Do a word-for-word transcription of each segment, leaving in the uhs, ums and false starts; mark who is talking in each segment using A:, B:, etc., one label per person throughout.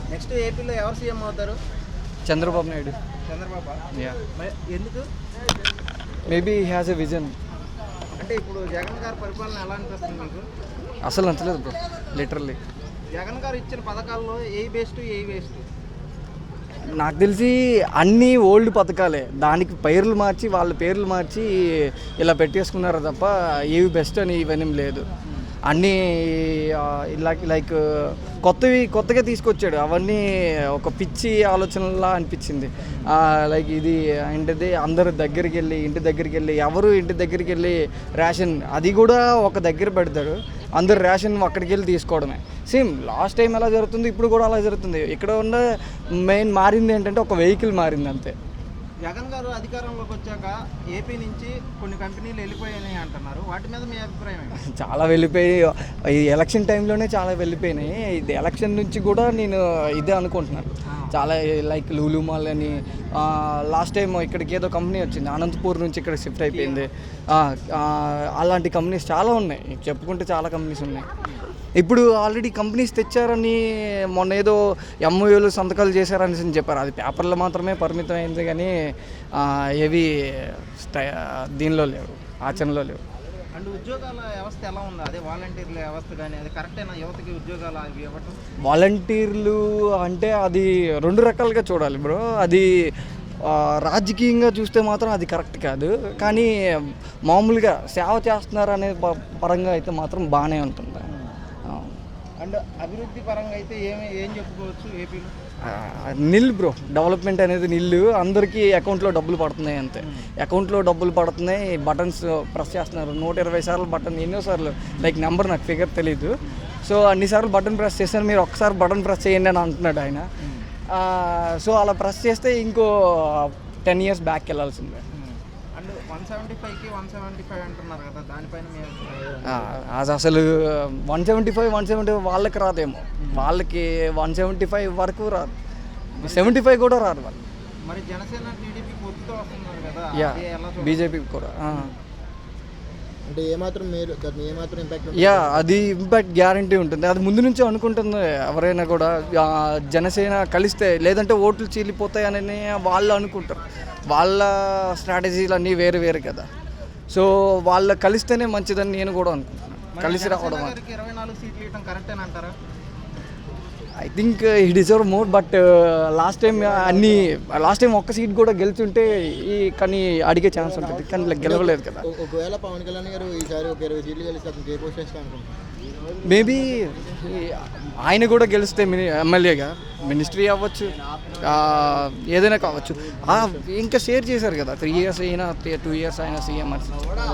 A: Next ఏపీలో ఎవరు CM అవుతారు?
B: చంద్రబాబు నాయుడు.
A: చంద్రబాబు.
B: యా.
A: ఎందుకు?
B: Maybe he has a vision.
A: అంటే ఇప్పుడు జగన్ గారి పరిపాలన ఎలా అనిపిస్తుంది మీకు?
B: అసలు నచ్చలేదు బ్రో, లిటరల్లీ.
A: జగన్ గారు ఇచ్చిన పథకాల్లో ఏ బెస్ట్ ఏ వేస్ట్?
B: నాకు తెలిసి అన్నీ ఓల్డ్ పథకాలే, దానికి పేర్లు మార్చి వాళ్ళ పేర్లు మార్చి ఇలా పెట్టేసుకున్నారు తప్ప ఏవి బెస్ట్ అని ఇవన్నీ లేదు. అన్నీ లైక్ లైక్ కొత్తవి కొత్తగా తీసుకొచ్చాడు, అవన్నీ ఒక పిచ్చి ఆలోచనలా అనిపించింది. లైక్ ఇది ఏంటిది, అందరు దగ్గరికి వెళ్ళి ఇంటి దగ్గరికి వెళ్ళి ఎవరు ఇంటి దగ్గరికి వెళ్ళి రేషన్ అది కూడా ఒక దగ్గర పెడతాడు, అందరు రేషన్ అక్కడికి వెళ్ళి తీసుకోవడమే. సేమ్ లాస్ట్ టైం ఎలా జరుగుతుంది ఇప్పుడు కూడా అలా జరుగుతుంది. ఇక్కడ ఉన్న మెయిన్ మారింది ఏంటంటే ఒక వెహికల్ మారింది అంతే.
A: జగన్ గారు అధికారంలోకి వచ్చాక ఏపీ నుంచి కొన్ని కంపెనీలు వెళ్ళిపోయాయి అంటున్నారు, వాటి మీద మీ అభిప్రాయం ఏంటి?
B: చాలా వెళ్ళిపోయి ఈ ఎలక్షన్ టైంలోనే చాలా వెళ్ళిపోయినాయి. ఇది ఎలక్షన్ నుంచి కూడా నేను ఇదే అనుకుంటున్నాను. చాలా లైక్ లూలు మాల్ అని లాస్ట్ టైం ఇక్కడికి ఏదో కంపెనీ వచ్చింది, అనంతపూర్ నుంచి ఇక్కడ షిఫ్ట్ అయిపోయింది. అలాంటి కంపెనీస్ చాలా ఉన్నాయి, చెప్పుకుంటే చాలా కంపెనీస్ ఉన్నాయి. ఇప్పుడు ఆల్రెడీ కంపెనీస్ తెచ్చారని మొన్న ఏదో ఎంఓయూలు సంతకాలు చేశారని చెప్పారు, అది పేపర్లో మాత్రమే పరిమితం అయింది కానీ ఏవి దీనిలో లేవు, ఆచరణలో లేవు.
A: అండ్ ఉద్యోగాల వ్యవస్థ ఎలా ఉంది? అదే వాలంటీర్ల వ్యవస్థ కానీ అది కరెక్టేనా యువతకి ఉద్యోగాలు అవి ఇవ్వటం?
B: వాలంటీర్లు అంటే అది రెండు రకాలుగా చూడాలి బ్రో. అది రాజకీయంగా చూస్తే మాత్రం అది కరెక్ట్ కాదు, కానీ మామూలుగా సేవ చేస్తున్నారు అనే పరంగా అయితే మాత్రం బాగానే ఉంటుంది.
A: అండ్ అభివృద్ధి పరంగా అయితే ఏమి ఏం చెప్పుకోవచ్చు ఏపీలో?
B: నిల్ బ్రో, డెవలప్మెంట్ అనేది నిల్లు. అందరికీ అకౌంట్లో డబ్బులు పడుతున్నాయి అంతే, అకౌంట్లో డబ్బులు పడుతున్నాయి. బటన్స్ ప్రెస్ చేస్తున్నారు నూట ఇరవై సార్లు బటన్, ఎన్నోసార్లు లైక్ నెంబర్ నాకు ఫిగర్ తెలీదు. సో అన్నిసార్లు బటన్ ప్రెస్ చేశాను, మీరు ఒక్కసారి బటన్ ప్రెస్ చేయండి అని అంటున్నాడు ఆయన. సో అలా ప్రెస్ చేస్తే ఇంకో టెన్ ఇయర్స్ బ్యాక్ వెళ్ళాల్సిందే.
A: అండ్ వన్ సెవెంటీ ఫైవ్కి వన్ సెవెంటీ ఫైవ్ అంటున్నారు కదా, దానిపైన
B: అది అసలు one seventy five one seventy five వాళ్ళకి రాదేమో, వాళ్ళకి వన్ సెవెంటీ ఫైవ్ వరకు రాదు, సెవెంటీ ఫైవ్ కూడా రాదు వాళ్ళు.
A: మరి జనసేన టీడీపీ పొత్తుతో వస్తున్నారు కదా,
B: యా బీజేపీ కూడా.
C: అంటే ఏమాత్రం మీరు ఏమాత్రం ఇంపాక్ట్?
B: యా అది ఇంపాక్ట్ గ్యారంటీ ఉంటుంది, అది ముందు నుంచి అనుకుంటుంది ఎవరైనా కూడా. జనసేన కలిస్తే లేదంటే ఓట్లు చీలిపోతాయని వాళ్ళు అనుకుంటారు, వాళ్ళ స్ట్రాటజీలు అన్నీ వేరు వేరు కదా. సో వాళ్ళు కలిస్తేనే మంచిదని నేను కూడా అనుకుంటున్నాను, కలిసి రావడం.
A: ఇరవై నాలుగు సీట్లు ఇవ్వడం కరెక్టేనా అంటారా?
B: I think he deserve more, but last time అన్ని లాస్ట్ టైం ఒక్క సీట్ కూడా గెలుచుంటే ఈ కానీ అడిగే ఛాన్స్ ఉంటుంది, కానీ గెలవలేదు కదా.
C: ఒకవేళ పవన్ కళ్యాణ్ గారు ఈసారి ఒక ఇరవై సీట్లు గెలిస్తే అతను ఏ పోస్ట్ చేస్తా అనుకుంటున్నాను.
B: మేబీ ఆయన కూడా గెలిస్తే మిని ఎమ్మెల్యేగా మినిస్ట్రీ అవ్వచ్చు, ఏదైనా కావచ్చు. ఇంకా షేర్ చేశారు కదా, త్రీ ఇయర్స్ అయినా టూ ఇయర్స్ అయినా సీఎం అని.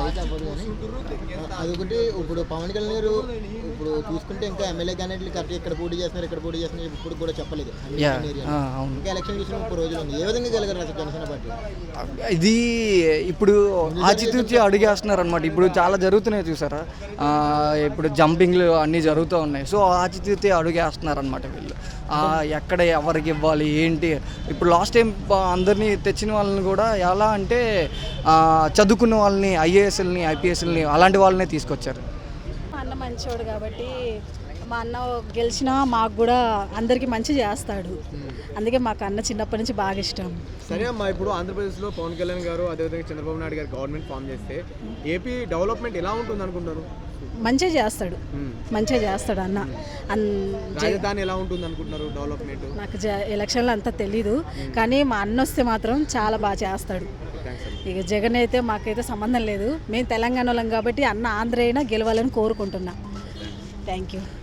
C: అదొకటి. ఇప్పుడు పవన్ కళ్యాణ్ గారు ఇప్పుడు చూసుకుంటే ఇంకా ఎమ్మెల్యే క్యాండిడేట్లు కరెక్ట్ ఇక్కడ పోటీ చేస్తున్నారు ఇక్కడ పోటీ చేస్తున్నారు ఇప్పుడు కూడా చెప్పలేదు. ఇంకా ఎలక్షన్ చూసిన ముప్పై రోజులు ఉంది, ఏ విధంగా గెలగరు అసలు జనసేన పార్టీ?
B: ఇది ఇప్పుడు ఆచితూచి అడిగేస్తున్నారు అనమాట. ఇప్పుడు చాలా జరుగుతున్నాయి చూసారా, ఇప్పుడు జంపింగ్లు అన్నీ జరుగుతూ ఉన్నాయి. సో ఆచితూచి అడుగేస్తున్నారు అనమాట వీళ్ళు, ఎక్కడ ఎవరికి ఇవ్వాలి ఏంటి. ఇప్పుడు లాస్ట్ టైం అందరినీ తెచ్చిన వాళ్ళని కూడా ఎలా అంటే చదువుకున్న వాళ్ళని, ఐఏఎస్ఎల్ని ఐపీఎస్ఎల్ని అలాంటి వాళ్ళనే తీసుకొచ్చారు.
D: మా అన్న మంచోడు కాబట్టి మా అన్న గెలిచినా మాకు కూడా అందరికీ మంచి చేస్తాడు, అందుకే మాకు అన్న చిన్నప్పటి నుంచి బాగా ఇష్టం.
E: సరే అమ్మా, ఇప్పుడు ఆంధ్రప్రదేశ్లో పవన్ కళ్యాణ్ గారు అదేవిధంగా చంద్రబాబు నాయుడు గారు గవర్నమెంట్ ఫామ్ చేస్తే ఏపీ డెవలప్మెంట్ ఎలా ఉంటుంది అనుకుంటారు?
D: మంచిగా చేస్తాడు, మంచిగా చేస్తాడు అన్న.
E: రాజధాని ఎలా ఉంటుంది అనుకుంటున్నారు డెవలప్మెంట్?
D: నాకు ఎలక్షన్లో అంతా తెలీదు, కానీ మా అన్న వస్తే మాత్రం చాలా బాగా చేస్తాడు. ఇక జగన్ అయితే మాకైతే సంబంధం లేదు, మేము తెలంగాణ వాళ్ళం కాబట్టి అన్న ఆంధ్ర అయినా గెలవాలని కోరుకుంటున్నా. Thank you.